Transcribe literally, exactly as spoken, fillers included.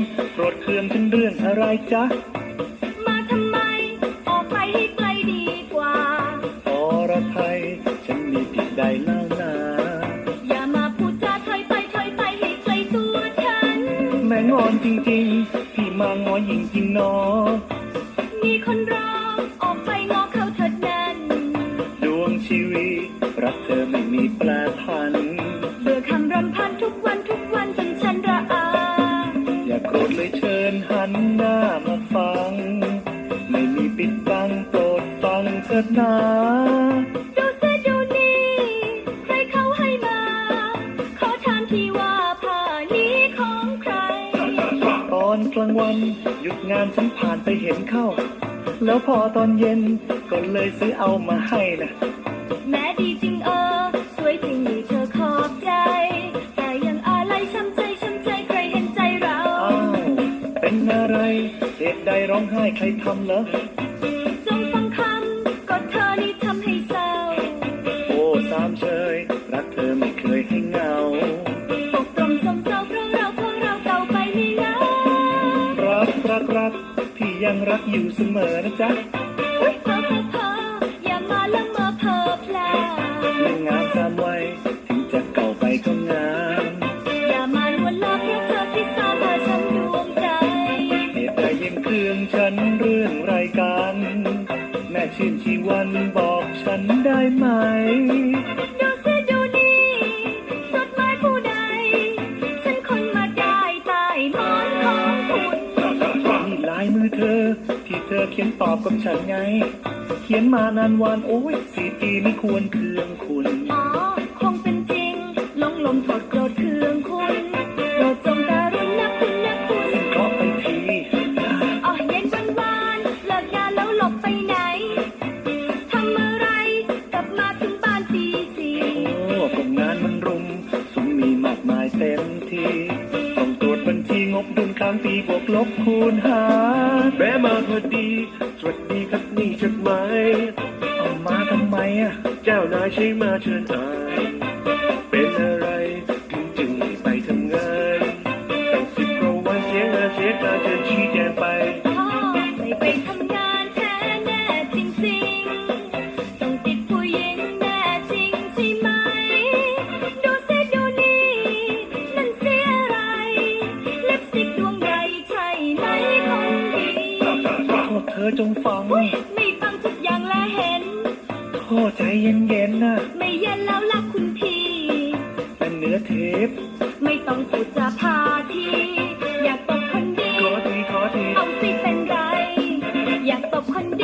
โกรธเคืองถึงเรื่องอะไรจ๊ะมาทำไมออกไปให้ไกลดีกว่าอรไทยฉันมีผิดใดเล่านาอย่ามาพูดจาถอยไปถอยไปให้ไกลตัวฉันแม่งอนจริงๆพี่มางอหญิงจริงเนาะมีคนรอออกไปงอเขาเถิดนั้นดวงชีวิตรักเธอไม่มีแปรผันเบื่อคำรำพันทุกวันทุกวันจนฉันระอาอย่าโกรธเลยเชิญหันหน้ามาฟังไม่มีปิดบังโปรดฟังเถิดนาดูเสียดูนี่ใครเขาให้มาขอถามทีว่าผ้านี้ของใครตอนกลางวันหยุดงานฉันผ่านไปเห็นเข้าแล้วพอตอนเย็นก็เลยซื้อเอามาให้นะแม้ดีจริงเออสวยจริงนี่เธอขอบใจแต่ยังอะไรช้ำใจช้ำใจใครเห็นใจเราอ้าวเป็นอะไรเหตุใดร้องไห้ใครทำเหรอจงฟังคำก็เธอนี่ทำให้เศร้าโอ้สามเชยรักเธอไม่เคยให้เหงาปกตรมสมเศร้าเพราะเราเพราะเราเก่าไปไม่เหงารักรักรักพี่ยังรักอยู่เสมอนะจ๊ะอุ๊ยเพ้อเพ้อเพ้ออย่ามาละเมอเพ้อพลาไม่งามสามวัยถึงจะเก่าไปก็งามอย่ามาลวนลามเพราะเธอที่สาพาฉันดวงใจเหตุใดยังเครื่องฉันเรื่องรายการแม่ชื่นชีวันบอกฉันได้ไหมดูสิดูนี่จดหมายผู้ใดฉันคนมาได้ใต้หมอนของคุณนี่ลายมือเธอที่เธอเขียนตอบกับฉันไงเขียนมานานวันโอ้ยสี่ปีไม่ควรเคืองคุณอ๋อคงเป็นจริงหลงลมโทษโกรธเคืองคุณโปรดจงการุณนะคุณนะคุณซึ่งขอไปทีอ๋อเย็นวันวานเลิกงานแล้วหลบไปไหนทำอะไรกลับมาถึงบ้านตีสี่โอ้ผมงานมันรุมสุมมีมากมายเต็มทีต้องตรวจบัญชีงบดุลค้างปีบวกลบคูณหารแม่มาพอดีสวัสดีครับนี่จดหมายเอามาทำไมอ่ะเจ้านายใช้มาเชิญอ่านเป็นอะไรถึงจึงไม่ไปทำงานตั้งสิบกว่าวันเสียงานเสียการเชิญชี้แจงไปพ่อไม่ไปทำงานแท้แน่จริงๆต้องติดผู้หญิงแน่จริงใช่ไหมดูสิดูนี่นั่นเสียอะไรลิปสติกดวงใหญ่ใช่ไหมคนดีโทษเธอจงฟังไม่ฟังทุกอย่างและเห็นโทษใจเย็นๆนะไม่เย็นแล้วล่ะคุณพี่เป็นเนื้อเทปไม่ต้องพูดจาพาทีอยากตบคนดีขอทีขอทีเอาสิเป็นไรอยากตบคน